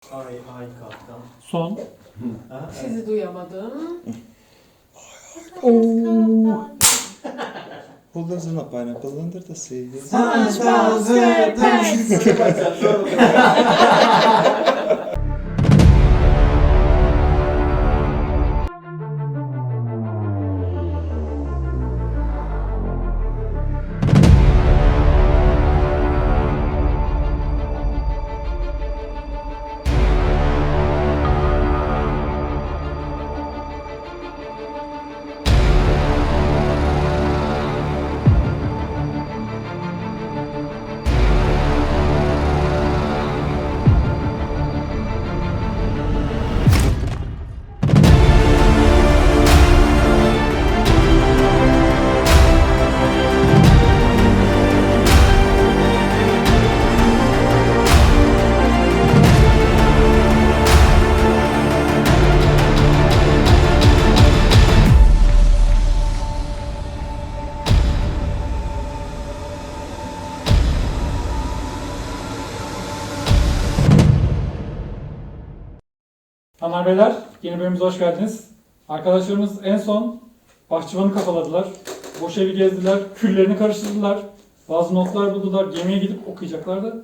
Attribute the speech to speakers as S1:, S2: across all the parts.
S1: Ay kaptan.
S2: Son.
S3: Sizi duyamadım.
S4: Who doesn't a pineapple under the sea?
S3: SpongeBob SquarePants.
S2: Hanımlar beyler, yeni bölümümüze hoş geldiniz. Arkadaşlarımız en son bahçıvanı kafaladılar. Boş evi gezdiler, küllerini karıştırdılar. Bazı notlar buldular, gemiye gidip okuyacaklardı.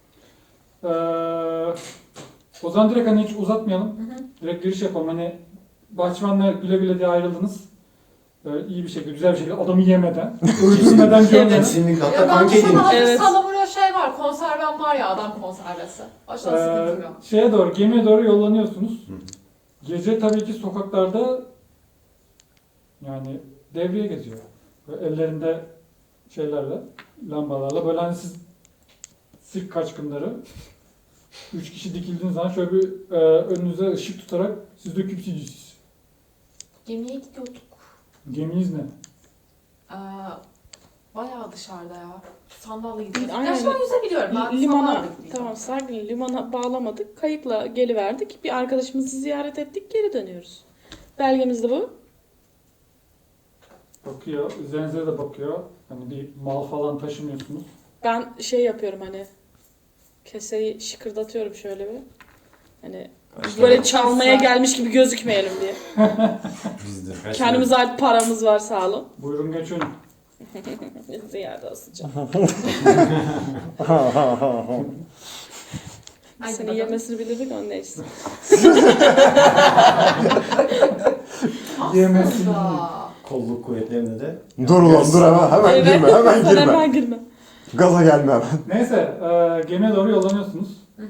S2: O zaman direkt hani hiç uzatmayalım. Direkt giriş yapalım. Hani bahçıvanla güle güle diye ayrıldınız. İyi bir şekilde, güzel bir şekilde adamı yemeden, öldürmeden görmeden.
S1: Kesinlikle. Hatta
S3: Ya ben
S1: kanka
S3: de sana
S1: edin.
S3: hafif
S5: Evet.
S3: salamura şey var, konserven var ya, adam konservesi. Aşağı sıkıntım yok.
S2: Şeye doğru, gemiye doğru yollanıyorsunuz. Gece tabii ki sokaklarda yani devriye geziyor. Böyle ellerinde şeylerle, lambalarla. Böyle hani siz sirk kaçkınları 3 kişi dikildiğiniz zaman şöyle bir önünüze ışık tutarak siz döküp siz.
S3: Gemiye gidiyorduk.
S2: Geminiz ne?
S3: Bayağı dışarıda ya. Sandalye gidiyorduk.
S5: Aynen.
S3: Gerçi ben yüzebiliyorum. Ben
S5: Limana,
S3: sandalye gideceğim.
S5: tamam sakin, limana bağlamadık. Kayıkla geliverdik. Bir arkadaşımızı ziyaret ettik, geri dönüyoruz. Belgemiz de bu.
S2: Bakıyor, üzerinize de bakıyor. Hani bir mal falan taşımıyorsunuz.
S5: Ben şey yapıyorum hani, keseyi şıkırdatıyorum şöyle bir. Hani böyle çalmaya gelmiş gibi gözükmeyelim diye.
S1: Bizdir.
S5: Kendimize ait paramız var, sağ olun.
S2: Buyurun geçin.
S5: Ziyade asacağım.
S3: Hadi
S5: Seni
S3: bakalım.
S5: yemesini bilirdik, onun neyse.
S2: Yemesin.
S3: Aslında.
S1: Kolluk kuvvetlerinde de.
S4: Dur ulan dur hemen
S5: Evet,
S4: girme hemen
S5: sen
S4: girme.
S5: hemen girme.
S4: Gaza gelme hemen.
S2: Neyse, gemiye doğru yollanıyorsunuz.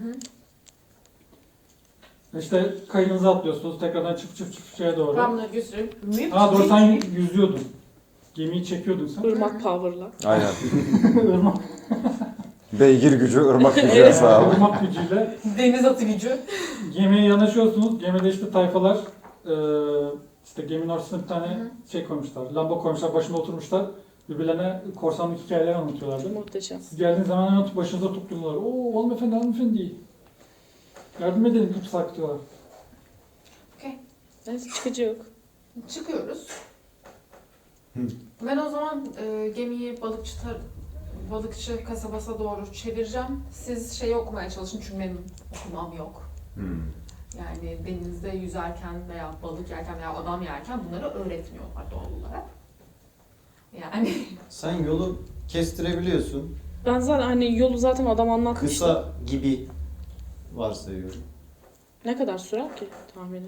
S2: İşte kayığınıza atlıyorsunuz, tekrardan çıp şeye doğru.
S3: Ben bunları götürüp
S2: Ha doğru, sen yüzüyordun. Gemiyi çekiyordun sen.
S5: Irmak power'la.
S4: Aynen.
S2: Irmak,
S4: Beygir gücü, ırmak gücü
S5: Evet.
S4: hesabı.
S2: ırmak gücüyle
S3: deniz atı gücü.
S2: gemiye yanaşıyorsunuz. Gemide işte tayfalar, işte geminin ortasına bir tane şey koymuşlar, lamba koymuşlar, başında oturmuşlar. Birbirlerine korsanlık hikayeler anlatıyorlardı.
S5: Muhteşem.
S2: Siz geldiğiniz zaman hemen başınıza topluyorlar. Oo hanımefendi hanımefendi. Yardım edelim, ip sarkıtıyorlar.
S5: Neyse, çıkıcı yok.
S3: Çıkıyoruz. Ben o zaman gemiyi balıkçı kasabasına doğru çevireceğim. Siz şeyi okumaya çalışın çünkü benim okumam yok. Yani denizde yüzerken veya balık yerken veya adam yerken bunları öğretmiyorlar doğal olarak. Yani
S1: Sen yolu kestirebiliyorsun.
S5: Ben zaten hani yolu zaten adam anlatmıştı.
S1: Kısa gibi varsayıyorum.
S5: Ne kadar sürer ki tahmini?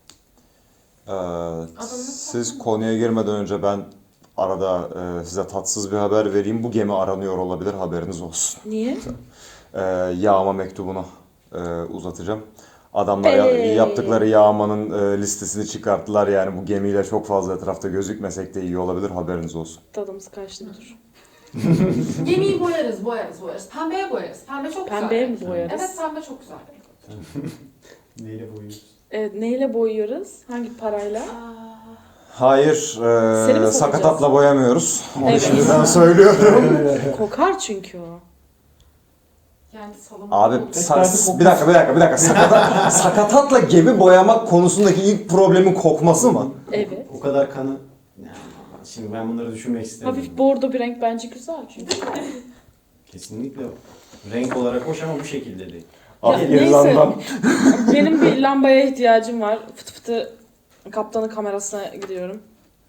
S4: Siz konuya girmeden önce ben arada size tatsız bir haber vereyim. Bu gemi aranıyor olabilir, haberiniz olsun.
S5: Niye?
S4: Yağma mektubunu uzatacağım. Adamlar
S5: Hey.
S4: yaptıkları yağmanın listesini çıkarttılar. Yani bu gemiyle çok fazla etrafta gözükmesek de iyi olabilir, haberiniz olsun.
S5: Tadımız kaçtı bir dur.
S3: gemiyi boyarız. Pembeye boyarız. Pembe çok güzel.
S5: Pembeye mi
S3: renk.
S5: boyarız?
S3: Evet, pembe çok güzel. renk.
S1: Neyle boyuyorsun?
S5: Evet, neyle boyuyoruz? Hangi parayla?
S4: Hayır,
S5: Seni mi satacağız?
S4: sakatatla boyamıyoruz. Onu
S5: Evet.
S4: şimdiden söylüyorum.
S5: Kokar çünkü o.
S3: Yani salamura
S4: Abi
S3: olur.
S4: bir dakika. Sakatatla gemi boyamak konusundaki ilk problemin kokması mı?
S5: Evet.
S1: O kadar kanı... Yani, şimdi ben bunları düşünmek istemiyorum.
S5: Hafif bordo bir renk bence güzel çünkü.
S1: Kesinlikle renk olarak hoş ama bu şekilde değil.
S4: Af
S5: neyse.
S4: İrlanda'm.
S5: Benim bir lambaya ihtiyacım var. Fıtı fıtı kaptanın kamerasına gidiyorum.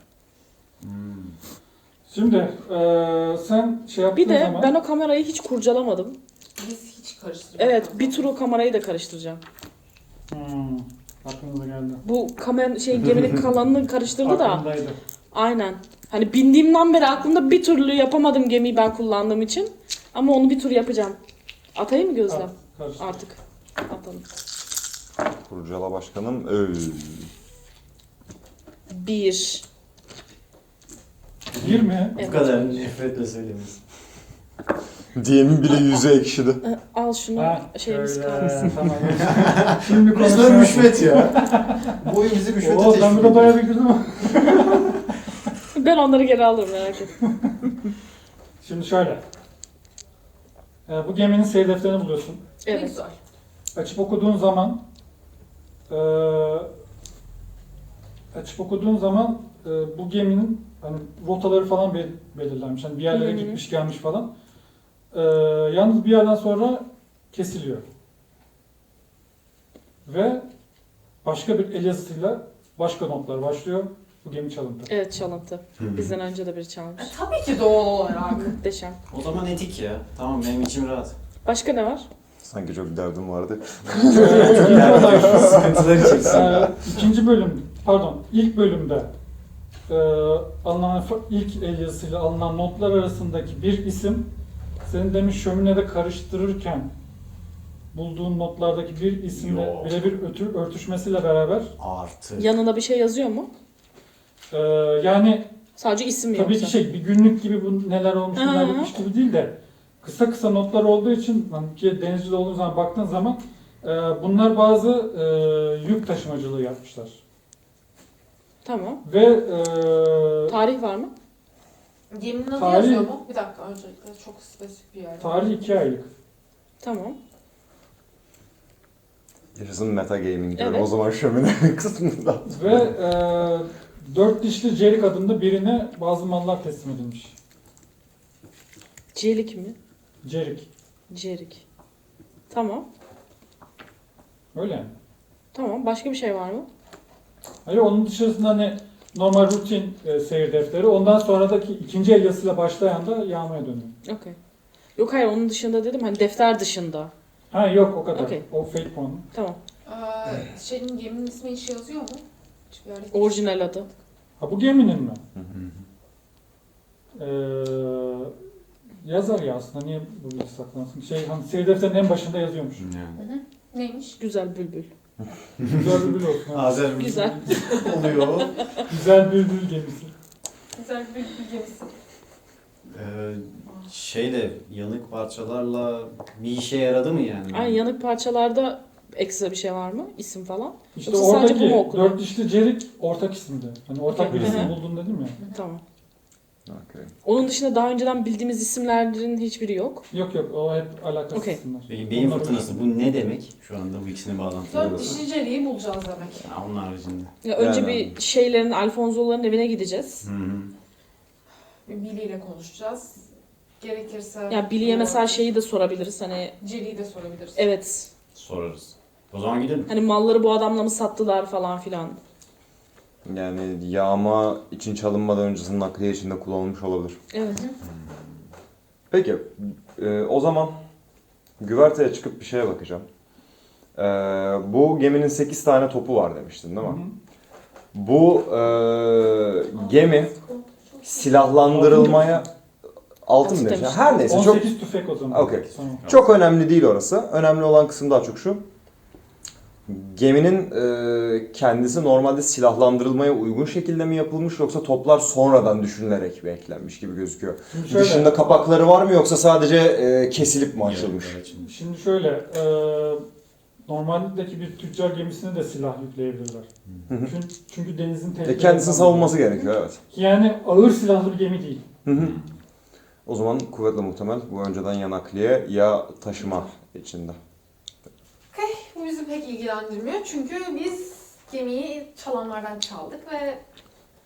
S2: Şimdi sen şey yaptığın
S5: Bir de
S2: zaman...
S5: ben o kamerayı hiç kurcalamadım.
S3: Biz hiç karıştırmıyoruz.
S5: Evet, bir tur o kamerayı da karıştıracağım.
S2: Aklınıza geldi.
S5: Bu geminin kalanını karıştırdı da.
S2: Aklımdaydı.
S5: Aynen. Hani bindiğimden beri aklımda bir türlü yapamadım gemiyi ben kullandığım için. Ama onu bir tur yapacağım. Atayım mı Gözlem?
S2: Karıştı.
S5: Artık. Atalım.
S4: Kurcala başkanım.
S5: 1.
S2: 20.
S5: Evet.
S1: Bu kadar nefretle söylemiş.
S4: Diyemin bile yüzü ekşidi.
S5: Al şunu.
S2: Ha,
S5: Şeyimiz
S2: şöyle,
S5: kalsın.
S2: tamam. Şimdi
S1: Resmen
S2: konuşalım.
S1: rüşvet ya. Bu oyun bizi rüşvete
S2: Oo, ben
S1: teşvik
S2: burada bayağı
S1: ediyor.
S2: bir girdim ama.
S5: Ben onları geri alırım, merak etme.
S2: Şimdi şöyle. Bu geminin seyir defterini buluyorsun.
S3: Ne
S5: Evet.
S3: güzel.
S2: Açıp okuduğun zaman bu geminin hani rotaları falan belirlenmiş. Hani bir yerlere
S5: Hı hı.
S2: gitmiş gelmiş falan. Yalnız bir yerden sonra kesiliyor. Ve başka bir el yazısıyla başka notlar başlıyor. Bu gemi çalıntı.
S5: Evet, çalıntı. Bizden önce de biri çalmış.
S3: Tabii ki doğal olarak.
S5: Muhteşem.
S1: O zaman etik ya. Tamam benim içim rahat.
S5: Başka ne var?
S4: Sanki çok derdim vardı.
S1: Sıkıntıları çeksin.
S2: İlk bölümde ilk el yazısıyla alınan notlar arasındaki bir isim senin demin şöminede karıştırırken bulduğun notlardaki bir isimle
S1: Yok.
S2: birebir örtüşmesiyle beraber
S1: Artı.
S5: Yanına bir şey yazıyor mu?
S2: yani
S5: Sadece isim mi
S2: tabii
S5: yoksa?
S2: ki bir günlük gibi bu neler olmuş neler
S5: Hı hı.
S2: bitmiş gibi değil de kısa kısa notlar olduğu için hani ki denizcide olduğun zaman baktığın zaman bunlar bazı yük taşımacılığı yapmışlar.
S5: Tamam.
S2: Ve
S5: Tarih var mı?
S3: Geminin adı
S2: Tarih-
S3: yazıyor mu? Bir dakika, öncelikle çok spesifik bir yer.
S2: tarih 2 aylık.
S5: Tamam.
S4: Yaşasın meta gaming diyorum
S5: Evet.
S4: o zaman şömine kısmında.
S2: Ve dört dişli Cerik adında birine bazı mallar teslim edilmiş.
S5: Celik mi?
S2: Cerik.
S5: Cerik. Tamam.
S2: Öyle yani.
S5: Tamam. Başka bir şey var mı?
S2: Hayır, onun dışarısında hani normal rutin seyir defteri. Ondan sonradaki ikinci el yazısıyla başlayan da yağmaya dönüyor.
S5: Okey. Yok hayır, onun dışında dedim, hani defter dışında.
S2: Ha yok, o kadar.
S5: Okey.
S2: O fake puanı.
S5: Tamam.
S3: Geminin ismi hiç yazıyor mu? Hiçbir yerde hiç-
S5: Orijinal adı.
S2: Ha bu geminin mi? Yazar ya aslında. Niye bu bilgi saklansın? Hani seyir defterinin en başında yazıyormuş.
S1: Yani.
S3: Neymiş?
S5: Güzel bülbül.
S2: Güzel bülbül olsun. Ha.
S1: Azer
S5: Güzel.
S1: oluyor.
S2: Güzel bülbül gemisi.
S3: Güzel bir gemisi.
S1: Şeyle yanık parçalarla bir işe yaradı mı yani?
S5: Ay, yanık parçalarda ekstra bir şey var mı? İsim falan?
S2: İşte
S5: Yoksa sadece bu mu
S2: oradaki
S5: okunuyor?
S2: dört dişli Cerik ortak isimdi. Hani ortak bir
S5: Hı hı.
S2: isim buldun dedim ya.
S5: Tamam.
S4: Okay.
S5: Onun dışında daha önceden bildiğimiz isimlerin hiçbiri yok.
S2: Yok o hep alakasız
S5: Okey.
S2: isimler.
S1: Beyin
S2: Onlar
S1: fırtınası bu ne demek? Şu anda bu ikisini bağlantılı.
S3: Dört dişli Jerry'i bulacağız demek.
S1: Ya onun haricinde.
S5: Ya önce
S4: Yani.
S5: bir şeylerin, Alfonso'ların evine gideceğiz.
S1: Hı hı.
S3: Billy ile konuşacağız. Gerekirse...
S5: Ya Billy'e mesela şeyi de sorabiliriz, hani
S3: Jerry'i de sorabiliriz.
S5: evet,
S1: Sorarız. O zaman gidelim.
S5: hani malları bu adamla mı sattılar falan filan.
S4: Yani yağma için çalınmadan öncesinin nakliye içinde kullanılmış olabilir.
S5: Evet.
S4: Peki, o zaman güverteye çıkıp bir şeye bakacağım. Bu geminin 8 tane topu var demiştin değil mi?
S2: Hı hı.
S4: Bu gemi silahlandırılmaya... Altın mı
S5: Altın
S4: demiş?
S5: demiş.
S4: Her neyse çok
S2: 18 tüfek o zaman.
S4: Okey.
S2: Tamam.
S4: çok önemli değil orası. Önemli olan kısım daha çok şu. Geminin kendisi normalde silahlandırılmaya uygun şekilde mi yapılmış yoksa toplar sonradan düşünülerek mi eklenmiş gibi gözüküyor.
S2: Şimdi şöyle,
S4: Dışında kapakları var mı yoksa sadece kesilip mi açılmış?
S2: Şimdi şöyle, normaldeki bir tüccar gemisine de silah yükleyebilirler.
S4: Hı hı.
S2: Çünkü denizin tehlikeli.
S4: Kendisini savunması gerekiyor, evet.
S2: Yani ağır silahlı bir gemi değil.
S4: Hı hı. O zaman kuvvetle muhtemel bu önceden ya nakliye ya taşıma içinde.
S3: Bu bizi pek ilgilendirmiyor çünkü biz gemiyi çalanlardan çaldık ve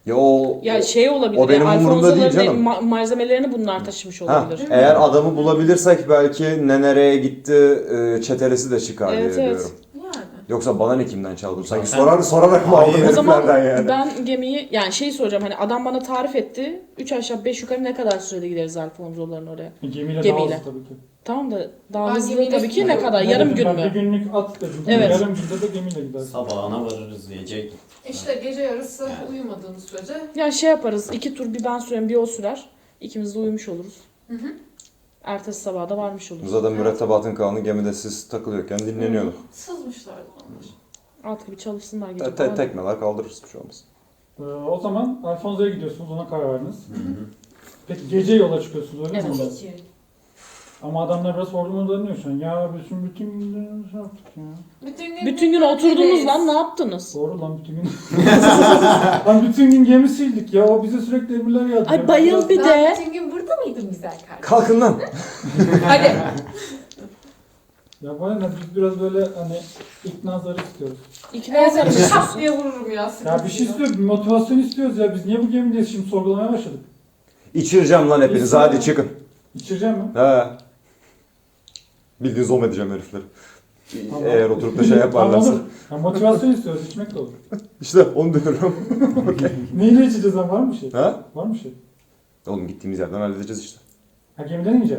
S4: Ya o
S5: Ya şey olabilir.
S4: o benim umurumda değil canım.
S5: Malzemelerini bunlar taşımış olabilir.
S4: Eğer adamı bulabilirsek belki ne nereye gitti çetelesi de çıkar
S5: Evet,
S4: diye
S5: evet.
S4: diyorum.
S3: Yani.
S4: Yoksa bana ne kimden çaldı? Sanki
S1: Zaten-
S4: sorarak mı
S1: Hayır.
S4: aldın
S5: O zaman
S4: heriflerden yani?
S5: ben gemiyi yani şey soracağım hani adam bana tarif etti. 3 aşağı 5 yukarı ne kadar sürede gideriz Alfonso'ların oraya?
S2: Gemiyle,
S5: Gemiyle.
S2: daha hızlı tabii ki.
S5: Tamam da daha
S3: Ben
S5: hızlı
S3: gemiyle
S5: tabii ki ne
S3: gidiyorum.
S5: kadar?
S2: Ne
S5: Yarım
S2: dedim
S5: gün
S2: ben?
S5: mü?
S2: Bir günlük at dedim.
S5: Evet.
S2: Yarım günde de gemiyle gideriz.
S1: Sabahına varırız diyecek.
S3: İşte gece yarısı uyumadığınız sürece
S5: Ya şey yaparız. 2 tur bir ben sürerim bir o sürer. İkimiz de uyumuş oluruz.
S3: Hı hı.
S5: Ertesi sabah da varmış oluruz.
S4: Zaten mürettebatın kanunu gemide siz takılıyorken dinleniyorduk.
S3: sızmışlardı onlar.
S5: Alt gibi çalışsınlar gece.
S4: Tekmeler kaldırırız bir şey olmaz.
S2: O zaman Alfonso'ya gidiyorsunuz, ona karar verdiniz. Peki gece yola çıkıyorsunuz öyle mi?
S5: Evet.
S3: Tabii ki.
S2: Ama adamlar biraz sorgulanıyor şu an. Ya bütün gün şey yaptık ya.
S5: Bütün gün oturdunuz lan ne yaptınız?
S2: Doğru lan bütün gün. Lan bütün gün gemi sildik ya. O bize sürekli emirler yazdı.
S5: Ay bayıl bir
S3: Ben
S5: de.
S3: bütün gün burada mıydım güzel kardeşim?
S4: Kalkın lan!
S5: Hadi.
S2: Ya bana ne biz biraz böyle hani ikna zarı istiyoruz.
S5: İkna
S3: Evet,
S5: zarı
S3: şap diye vururum ya.
S2: Ya bir şey istiyoruz, bir motivasyon istiyoruz ya. Biz niye bu gemideyiz şimdi sorgulamaya başladık.
S4: İçireceğim lan hepiniz
S2: İçsin.
S4: hadi çıkın.
S2: İçireceğim mi?
S4: He. Bildiğin zom edeceğim herifleri.
S2: Tamam.
S4: Eğer oturup da şey yaparlarsa.
S2: Tamam, olur. Ya motivasyon istiyoruz, içmek de olur.
S4: İşte onu diyorum.
S2: Neyle içeceğiz lan? Var mı şey?
S4: Ha?
S2: Var mı şey?
S4: Oğlum gittiğimiz yerden halledeceğiz işte.
S2: Ha gemiden ineceğiz.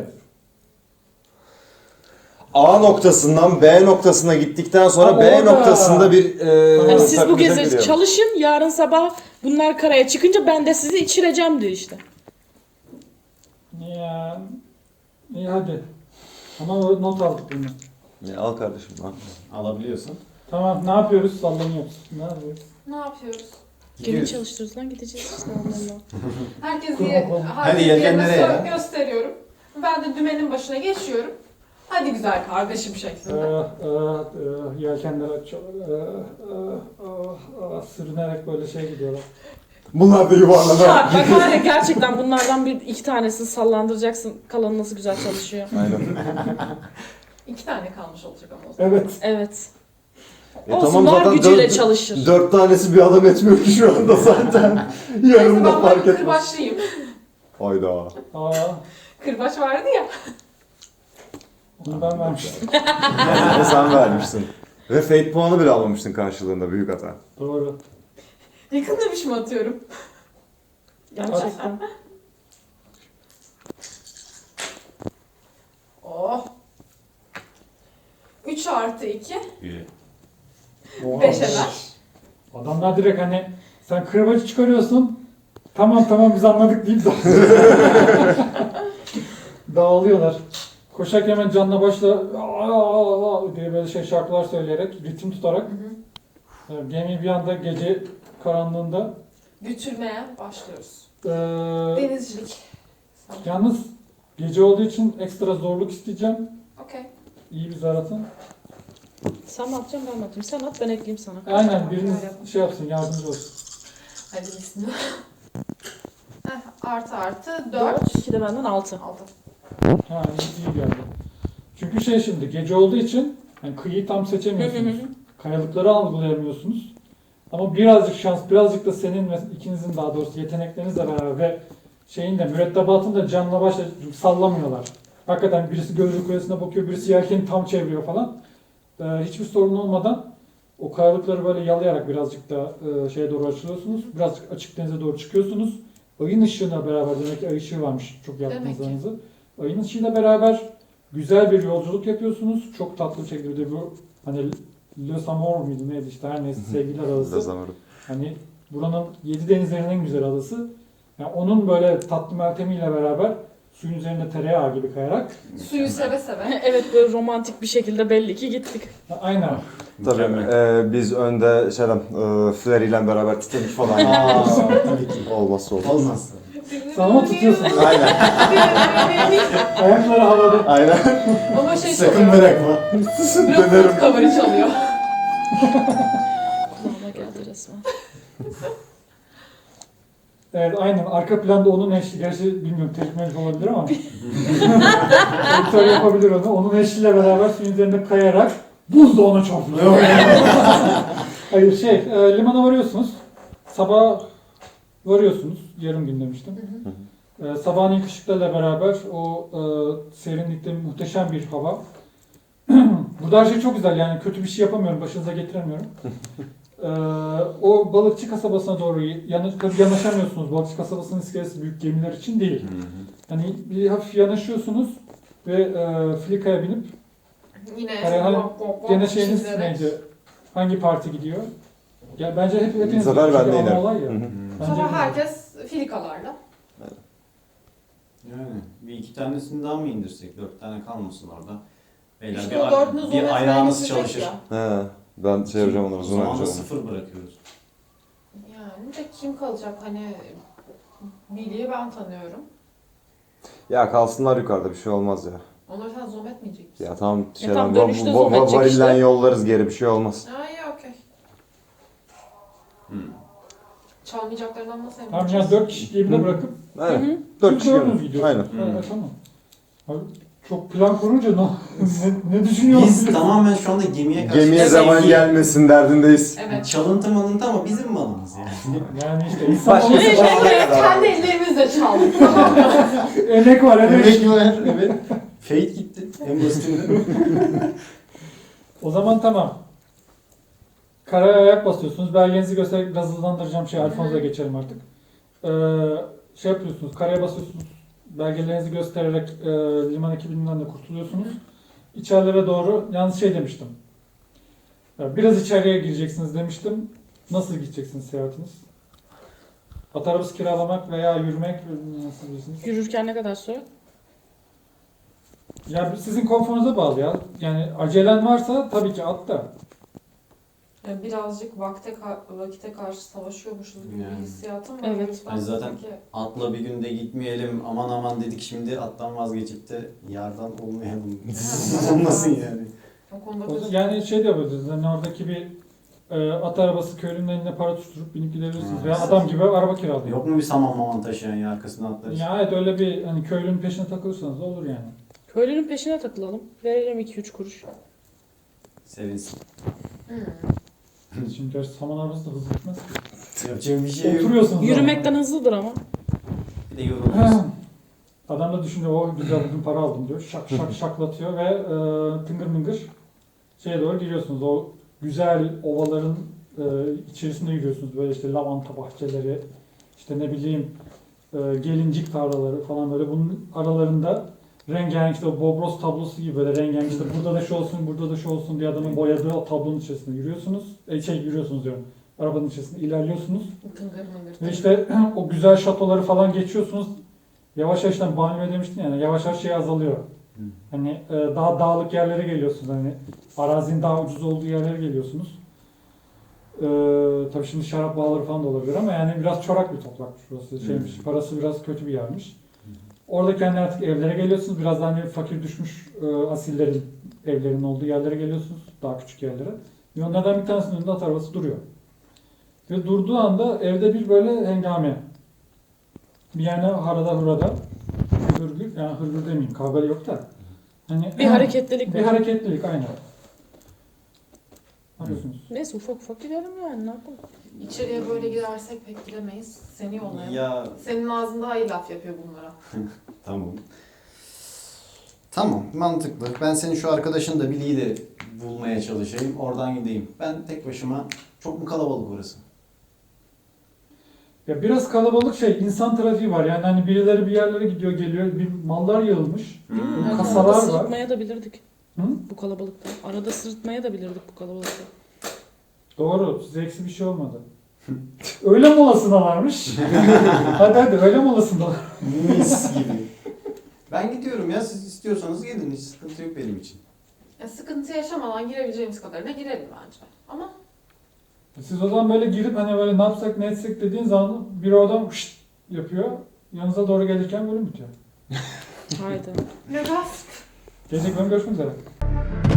S4: A noktasından B noktasına gittikten sonra
S2: Ha,
S4: B
S2: orada.
S4: noktasında bir
S5: Yani siz bu
S4: sakınca
S5: gezi
S4: giriyor.
S5: çalışın yarın sabah bunlar karaya çıkınca ben de sizi içireceğim diyor işte.
S2: Ya. İyi hadi. Ama o not aldık bunu.
S4: Ya, al kardeşim al.
S1: Alabiliyorsun.
S2: Tamam ne yapıyoruz? Sallanıyoruz. Ne yapıyoruz?
S3: Ne yapıyoruz?
S5: Gemi
S1: Gidiyoruz.
S5: çalıştırırız lan gideceğiz işte onlarla.
S3: Herkes
S2: Kurban
S3: diye,
S2: olun.
S1: Hadi
S3: herkes
S1: yelkenlere
S3: yerine
S1: ya.
S3: gösteriyorum. Ben de dümenin başına geçiyorum. Hadi güzel kardeşim şeklinde.
S2: Yelkenleri açıyorlar. Sürünerek böyle şey gidiyorlar.
S4: Bunlar da yuvarlanan.
S5: Ya bak var ya gerçekten bunlardan bir iki tanesini sallandıracaksın. Kalanı nasıl güzel çalışıyor.
S4: Aynen.
S3: 2 tane kalmış olacak ama o zaman.
S2: Evet.
S5: Evet.
S4: E
S5: Olsun
S4: tamam,
S5: var
S4: zaten
S5: gücüyle çalışır.
S4: 4 tanesi bir adam etmiyor ki şu anda zaten.
S3: Neyse
S4: Yarın da
S3: ben
S4: fark
S3: böyle
S4: etmez.
S3: kırbaçlıyım.
S4: Hayda.
S2: Aa,
S3: Kırbaç vardı ya.
S2: bunu ben vermiştim.
S4: Ne sen vermişsin. Ve fate puanı bile almamıştın karşılığında, büyük hata.
S2: Doğru.
S3: Yakın demiş mi atıyorum?
S5: Gerçekten.
S3: Oh. 3 artı 2.
S1: İyi.
S2: Oha.
S3: 5 eder.
S2: Adamlar direkt hani sen kırbacı çıkarıyorsun. Tamam biz anladık deyip dağılıyorlar. Koşarken hemen canla başla "Aa!" diye böyle şey şarkılar söyleyerek, ritim tutarak gemi bir anda gece karanlığında
S3: Götürmeye başlıyoruz.
S2: eee,
S3: Denizcilik.
S2: yalnız gece olduğu için ekstra zorluk isteyeceğim.
S3: Okey.
S2: İyi bir zar atın.
S5: Sen mi atacaksın ben mi atayım? Sen at ben ekleyeyim sana.
S2: Aynen biriniz şey yapsın, yardımcı olsun.
S3: Hadi bismillah. Artı 4.
S5: 4. 2 de benden 6.
S3: 6.
S2: Ha iyi geldi. Çünkü şey şimdi gece olduğu için yani kıyıyı tam seçemiyorsunuz. Kayalıkları algılayamıyorsunuz. Ama birazcık şans, birazcık da senin ve ikinizin daha doğrusu yeteneklerinizle beraber ve şeyin de mürettebatın da canla başla sallamıyorlar. Hakikaten birisi gözlük kulesine bakıyor, birisi yelkeni tam çeviriyor falan. Hiçbir sorun olmadan o kayalıkları böyle yalayarak birazcık da şeye doğru açılıyorsunuz. Birazcık açık denize doğru çıkıyorsunuz. Ayın ışığına beraber, demek ki ay ışığı varmış çok yaktığınız
S3: Demek ki.
S2: aranızı. Ayın ışığıyla beraber güzel bir yolculuk yapıyorsunuz. Çok tatlı bir şekilde bu hani Le Samor muydu neydi işte her neyse sevgililer adası.
S4: Lazamarı.
S2: Hani buranın 7 denizlerin en güzel adası. Yani onun böyle tatlı meltemiyle beraber suyun üzerinde tereyağı gibi kayarak.
S3: Suyu seve seve.
S5: Evet böyle romantik bir şekilde belli ki gittik.
S2: Aynen.
S4: Tabii
S1: Mükemmel.
S4: biz önde Flair ile beraber Titanic falan
S1: Aa, tabii ki.
S4: olmazsa olmaz.
S1: Olmaz.
S2: Sen ama tutuyorsun.
S1: Aynen.
S2: Ayakları havada.
S4: Aynen.
S3: Ama şey
S1: Sakın
S3: çalıyor.
S1: bırakma.
S3: Blok cover'ı çalıyor.
S5: Kulağıma geldi resmen.
S2: Evet aynen. Arka planda onun eşliği. Gerçi bilmiyorum teknolojik olabilir ama. Editör yapabilir onu. Onun eşliğiyle beraber suyun üzerinde kayarak buz da ona çarpıyor. Hayır limana varıyorsunuz. Sabah Varıyorsunuz. Yarım gün demiştim.
S3: Hı hı.
S2: Sabahın ilk ışıklarla beraber o serinlikte muhteşem bir hava. Burada her şey çok güzel, yani kötü bir şey yapamıyorum, başınıza getiremiyorum. O balıkçı kasabasına doğru yanaşamıyorsunuz. Balıkçı kasabasının iskelesi büyük gemiler için değil. Hani bir hafif yanaşıyorsunuz ve Flika'ya binip
S3: Yine
S2: hani gene şeyiniz
S3: çizerek.
S2: neydi? Hangi parti gidiyor? Ya bence hepiniz
S4: Bu sefer ben
S2: çünkü
S4: de
S2: ana
S4: inerim.
S2: olay ya.
S4: Hı hı.
S2: Bence
S3: Sonra herkes filikalarla.
S1: Yani bir iki tanesini daha mı indirsek? 4 tane kalmasın orada. Beyler
S3: İşte o dördünü zoom
S1: bir
S3: etmeye
S1: ayağınız
S3: getirecek
S1: çalışır.
S3: ya.
S4: He, ben şey yapacağım onları,
S1: O
S4: zoom
S1: zaman da
S4: yapacağım.
S1: 0 bırakıyoruz.
S3: Yani de kim kalacak hani Billy'yi ben tanıyorum.
S4: Ya kalsınlar yukarıda, bir şey olmaz ya.
S3: Onları sen zoom etmeyecek misin?
S4: Ya tamam
S5: tam dönüşte zoom edecek
S4: varilden
S5: işte.
S4: yollarız geri, bir şey olmaz.
S3: Ha iyi okey.
S1: Hmm.
S3: Çalmayacaklarından nasıl emin
S2: Tamam ya
S3: olacağız?
S2: 4 kişi gemide
S4: Hı.
S2: bırakıp
S4: Aynen. 4 kişi
S2: dördünüz
S4: gidiyor.
S2: gidiyorsunuz.
S4: Aynen.
S2: Evet, tamam. Abi, çok plan kurunca ne düşünüyorsun?
S1: Biz tamamen şu anda gemiye karşı...
S4: Gemiye
S3: Evet.
S4: zaman gelmesin derdindeyiz.
S3: Evet.
S1: Çalıntı malıntı ama bizim malımız yani.
S2: Yani işte insan
S4: Başka
S2: olursa
S4: bir şey-
S3: Kendi ellerimizle çaldık. Tamam mı?
S2: emek var, emek.
S1: var, evet. Fate gitti. En basitinden.
S2: O zaman tamam. Karaya ayak basıyorsunuz. Belgenizi göstererek biraz hızlandıracağım Alfonso'ya geçelim artık. Şey yapıyorsunuz, karaya basıyorsunuz. Belgelerinizi göstererek liman ekibinden de kurtuluyorsunuz. İçerilere doğru, yalnız şey demiştim. Biraz içeriye gireceksiniz demiştim. Nasıl gideceksiniz seyahatiniz? At arabası kiralamak veya yürümek nasıl bilirsiniz?
S5: Yürürken ne kadar süre?
S2: Ya sizin konforunuza bağlı ya. Yani acelen varsa tabii ki at da.
S3: Yani birazcık vakite karşı savaşıyormuşuz gibi
S1: Yani.
S3: bir hissiyatım var.
S5: Evet.
S3: O yüzden
S1: Hani zaten-
S3: sanki-
S1: Atla bir günde gitmeyelim, aman aman dedik şimdi attan vazgeçip de yardan olmayalım. Olmasın yani.
S3: O konuda
S2: O
S3: bir-
S2: yani şey de yapabiliriz. Yani oradaki bir at arabası köylünün eline para tutturup binip gidebilirsiniz.
S1: Ha.
S2: Veya adam gibi araba kiralayın.
S1: Yok mu bir saman maman taşıyan ya arkasına atlarız?
S2: Ya evet, öyle bir hani köylünün peşine takılırsanız da olur yani.
S5: Köylünün peşine takılalım. Verelim 2-3 kuruş.
S1: Sevinsin.
S3: Hmm.
S2: Şimdi gerçi saman arabası da hızlı gitmez.
S1: Yapacak bir şey yok.
S2: Oturuyorsunuz.
S5: Yürümekten hızlıdır ama.
S1: Bir de yoruluruz.
S2: Adam da düşünüyor, o güzel bugün para aldım diyor. Şak şak şaklatıyor ve tıngır mıngır şeye doğru giriyorsunuz. O güzel ovaların içerisinde yürüyorsunuz. Böyle işte lavanta bahçeleri, işte ne bileyim gelincik tarlaları falan, böyle bunun aralarında rengarenk, işte o Bobros tablosu gibi böyle rengarenk, işte burada da şu olsun, burada da şu olsun diye adamın boyadığı o tablonun içerisinde yürüyorsunuz. Yürüyorsunuz diyorum. Arabanın içerisinde ilerliyorsunuz.
S3: Tıngır mıngır.
S2: Ve işte o güzel şatoları falan geçiyorsunuz. Yavaş yavaş banyo demiştin yani, yavaş yavaş şey azalıyor. Hani daha dağlık yerlere geliyorsunuz, hani arazinin daha ucuz olduğu yerlere geliyorsunuz. Tabii şimdi şarap bağları falan da olabilir ama yani biraz çorak bir toprakmış burası, şeymiş, parası biraz kötü bir yermiş. Orada kendi artık evlere geliyorsunuz, biraz daha hani fakir düşmüş asillerin evlerinin olduğu yerlere geliyorsunuz, daha küçük yerlere. Ve onlardan bir tanesinin önünde at arabası duruyor. Ve durduğu anda evde bir böyle hengame. Bir yani harada hurada, hırgür, yani hırgür demeyeyim, kavga yok da. Hani,
S5: Bir hareketlilik
S2: bir
S5: var.
S2: hareketlilik aynen. Ne yapıyorsunuz?
S5: Neyse ufak ufak gidelim yani, ne yapalım.
S3: İçeriye böyle girersek pek gidemeyiz. Seni yollayalım.
S1: Ya
S3: Senin ağzın daha iyi laf yapıyor bunlara.
S1: tamam. Tamam, mantıklı. Ben senin şu arkadaşın da Billy'yi de bulmaya çalışayım. Oradan gideyim. Ben tek başıma, çok mu kalabalık orası?
S2: Ya biraz kalabalık şey, insan trafiği var. Yani hani birileri bir yerlere gidiyor, geliyor, bir mallar yığılmış.
S5: Arada
S2: Kasalar var.
S5: sırıtmaya da bilirdik
S2: Hı?
S5: bu kalabalıkta. Arada sırıtmaya da bilirdik bu kalabalıkta.
S2: Doğru, size eksi bir şey olmadı. Öğle molasına varmış. hadi öğle molasında.
S1: Mis gibi. Ben gidiyorum ya, siz istiyorsanız gelin, hiç sıkıntı yok benim için.
S3: Ya sıkıntı yaşamadan girebileceğimiz kadarına girelim bence. Ama
S2: Siz o zaman böyle girip hani böyle ne yapsak ne etsek dediğin zaman bir adam şşt yapıyor. Yanınıza doğru gelirken bölüm bitiyor.
S5: Haydi.
S3: ne gasp.
S2: Gelecek bölüm görüşmek üzere.